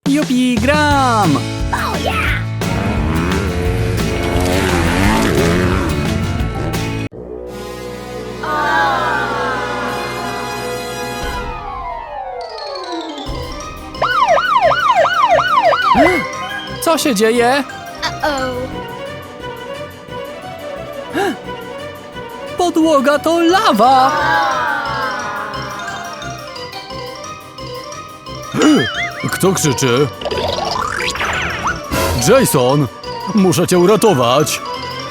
Jupi, gram! Co się dzieje? Podłoga to lawa! Kto krzyczy? Jason! Muszę cię uratować!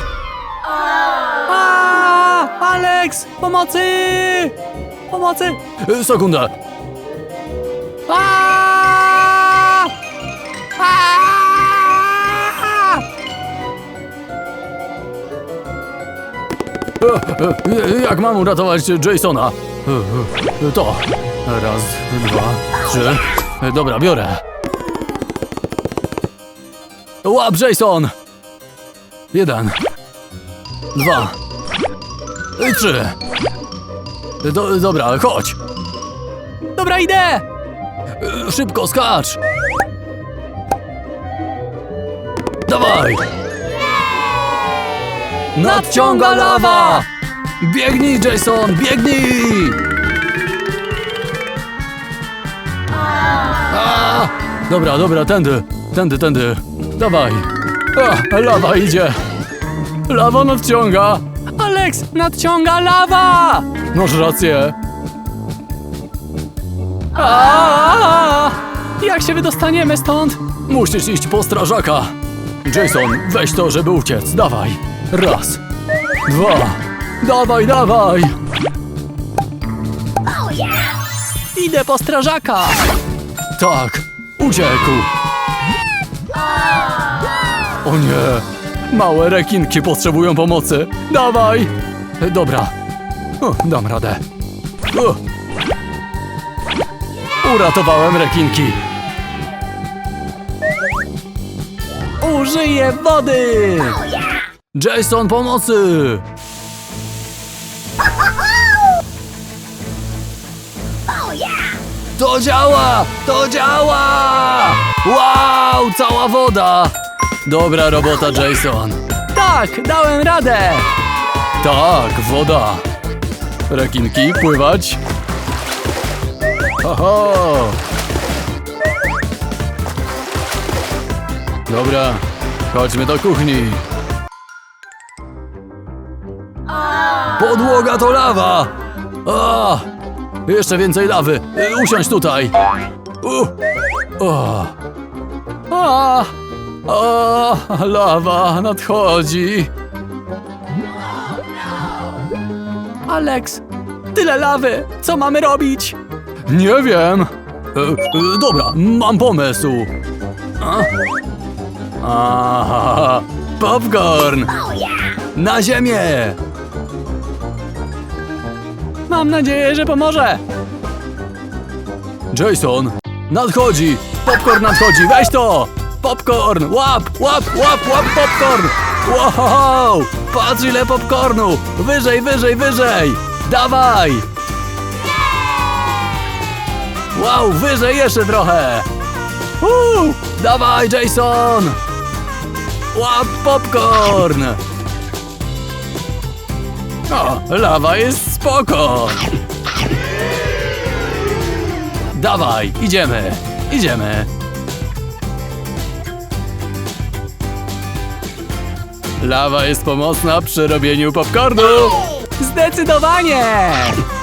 Alex! Pomocy! Pomocy! Sekunda! Jak mam uratować Jasona? To. Raz, dwa, trzy. Dobra, biorę. Łap, Jason! 1, 2, 3. Dobra, chodź. Dobra, idę! Szybko, skacz! Dawaj! Nadciąga lawa! Biegnij, Jason, biegnij! Dobra, tędy. Dawaj. Lawa idzie. Lawa nadciąga. Alex, nadciąga lawa! Masz rację. Jak się wydostaniemy stąd? Musisz iść po strażaka. Jason, weź to, żeby uciec. Dawaj. Raz. 2. Dawaj. Idę po strażaka. Tak, uciekł. O nie, małe rekinki potrzebują pomocy. Dawaj. Dobra, dam radę. Uratowałem rekinki. Użyję wody. Jason, pomocy. To działa! Wow, cała woda! Dobra robota, Jason. Tak, dałem radę! Tak, woda. Rekinki, pływać. Oho! Dobra, chodźmy do kuchni. Podłoga to lawa! Jeszcze więcej lawy. Usiądź tutaj. Lawa nadchodzi. Alex, tyle lawy. Co mamy robić? Nie wiem. Dobra, mam pomysł. Popcorn. Na ziemię. Mam nadzieję, że pomoże. Jason, nadchodzi! Popcorn nadchodzi, weź to! Popcorn, łap popcorn! Wow! Patrz ile popcornu! Wyżej! Dawaj! Wow, wyżej jeszcze trochę! Dawaj, Jason! Łap popcorn! Lawa jest spoko! Dawaj, idziemy! Lawa jest pomocna przy robieniu popcornu! Zdecydowanie!